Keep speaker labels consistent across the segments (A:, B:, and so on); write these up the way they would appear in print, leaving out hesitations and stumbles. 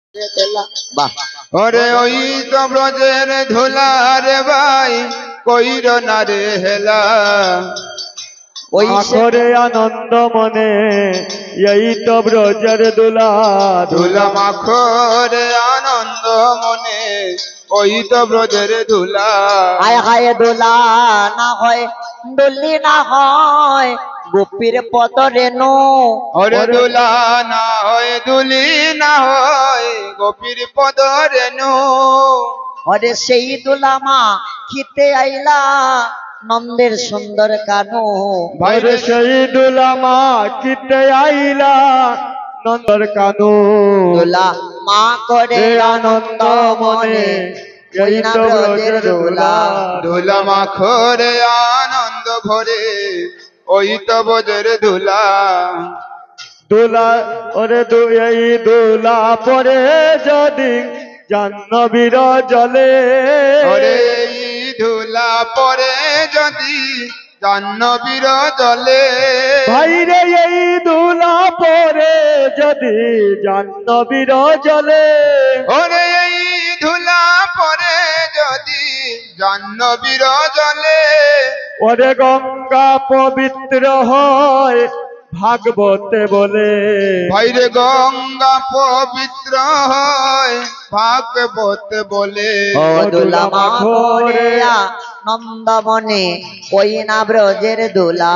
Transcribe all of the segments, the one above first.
A: বাহ
B: ওরে ওই তো ব্রজের ধুলা রে ভাই কইর না রে হেলা
A: ওই
C: আখরে আনন্দ মনে এই তো ব্রজের দুলা
B: ধুলা মাখরে আনন্দ মনে ওই তো ব্রজের ধুলা
A: হায় হায় দোলা না হয় ডলি না হয় গোপীর পদ রেণু
B: ওরে ধুলা না হয় দুলি না হয় গোপীর পদ রেণু
A: ওরে সেই দোলা মা খিতে আইলা নন্দের সুন্দর কানু
B: ভাইরে
C: সেই দুলা মা কিতে আইলা নন্দর কানু
A: দোলা মা করে আনন্দ মনে ওই না ব্রজের দোলা
B: ধুলা মাখরে আনন্দ ভরে ওই তো ব্রজের ধুলা
C: দুলা ওরে এই দুলা পরে যদি জাহ্নবীর জলে
B: ওরে এই ধুলা পরে যদি জাহ্নবীর জলে
C: ভাইরে এই দুলা পরে যদি জাহ্নবীর জলে
B: ওরে এই ধুলা পরে যদি জাহ্নবীর জলে
C: ওরে গঙ্গা পবিত্র হয় ভাগবতে বলে
B: ভাইরে গঙ্গা পবিত্র হয় ভাগবত বলে
A: ও দোলা মা করে আনন্দ মনে ওই না ব্রজের দোলা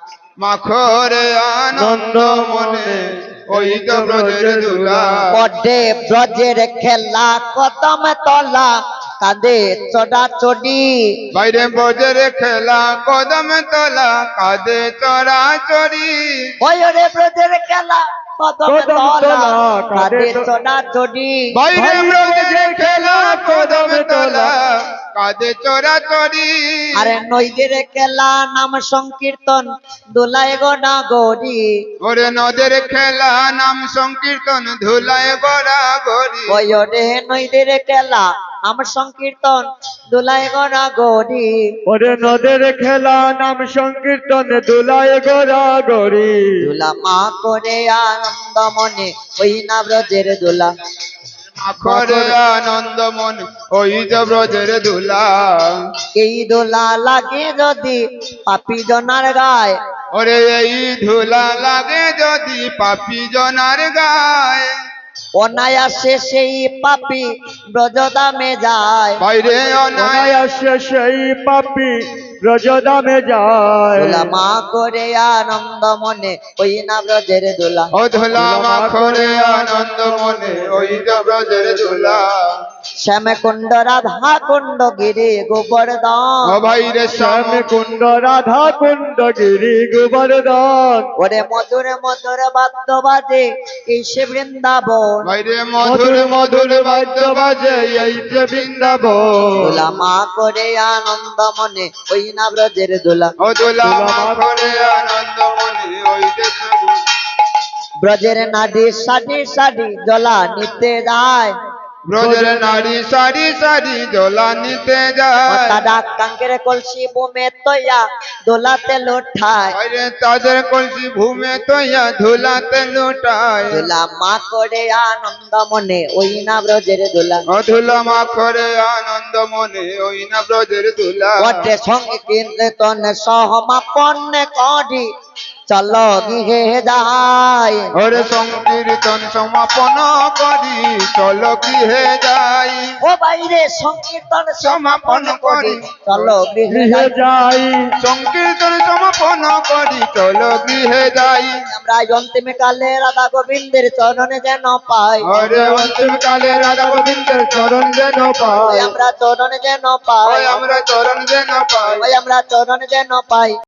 B: মাখরে আনন্দ মনে ওই তো ব্রজের ধুলা
A: বডে ব্রজের খেলা কদম তলা কাঁদে চড়া চড়ি
B: বাইরে ব্রজের খেলা কদম তলা কাঁধে চড়া চড়ি
A: ওই রে ব্রজের খেলা কদম তলা কাঁদে চড়া চড়ি
B: বাইরে ব্রজের খেলা কদম তলা কাঁধে চড়া চড়ি
A: আরে নইদের খেলা নাম সংকীর্তন দোলায় গোনা গড়ি
B: ওরে নদের খেলা নাম সংকীর্তন ধুলায় গড়া গড়ি
A: ওই রে নইদের খেলা নাম সংকীর্তন দোলায় গোনা গড়ি
C: ওরে নদের খেলা নাম সংকীর্তন দুলায় গোরা গরি
A: দোলা মা করে আনন্দ মনে ওই না ব্রজের দোলা
B: মাখরে আনন্দ মন ওই যে ব্রজের ধুলা
A: এই দোলা লাগে যদি পাপি জনার গায়
B: ওরে এই ধুলা লাগে যদি পাপি জনার গায়
A: অনায়াসে সেই পাপি ব্রজদামে যায়
B: বাইরে অনায়
C: অনায়াসে সেই পাপি ব্রজদামে যায়
A: দোলা মা করে আনন্দ মনে ওই না ব্রজের দোলা
B: ও ধুলা মাখরে আনন্দ মনে ওই যে ব্রজের ধুলা
A: শ্যামে কুণ্ড রাধা কুণ্ড গিরি গোবর্ধন
B: ও ভাইরে শ্যাম
C: শ্যাম কুণ্ড রাধা কুণ্ড গিরি গোবর্ধন
A: ওরে মধুর মধুর বাদ্য বাজে এই সে বৃন্দাবন
B: বাইরে মধুর মধুর বাদ্য বাজে এই যে বৃন্দাবন
A: দোলা মা করে আনন্দ মনে ওই না ব্রজের দোলা
B: ও ধুলা মাখরে আনন্দ মনে ওই যে
A: ব্রজের নাডি সাডি সাডি জলা নিতে যায়
B: ব্রজের নারী সারি সারি দোলা নিতে যায়
A: তারা কাঙ্কের কলসি বুমে তৈয়া দোলাতে লোঠায়
B: বাইরে তাদের কলসি ভূমে তৈয়া ধুলাতে লুটায়
A: দোলা মা করে আনন্দ মনে ওই না ব্রজের দোলা
B: ও ধুলা মাখরে আনন্দ মনে ওই না ব্রজের ধুলা
A: ওটে সঙ্গে কীর্তন সহমাপন করি চলো গৃহে যাই
B: ওরে সংকীর্তন সমাপন করি চলো গৃহে যাই
A: ও বাইরে সংকীর্তন
B: সমাপন করি
A: চলো গৃহে
C: গৃহে
A: যাই
C: যাই
B: সংকীর্তন সমাপন করি চলো গৃহে যাই
A: আমরা অন্তিম কালে রাধা গোবিন্দের চরণে যেন পাই
B: ওরে অন্তিম কালে রাধা গোবিন্দের চরণ যেন পাই
A: আমরা চরণে যেন পাই
B: আমরা চরণ যেন পাই
A: আমরা চরণে যেন পাই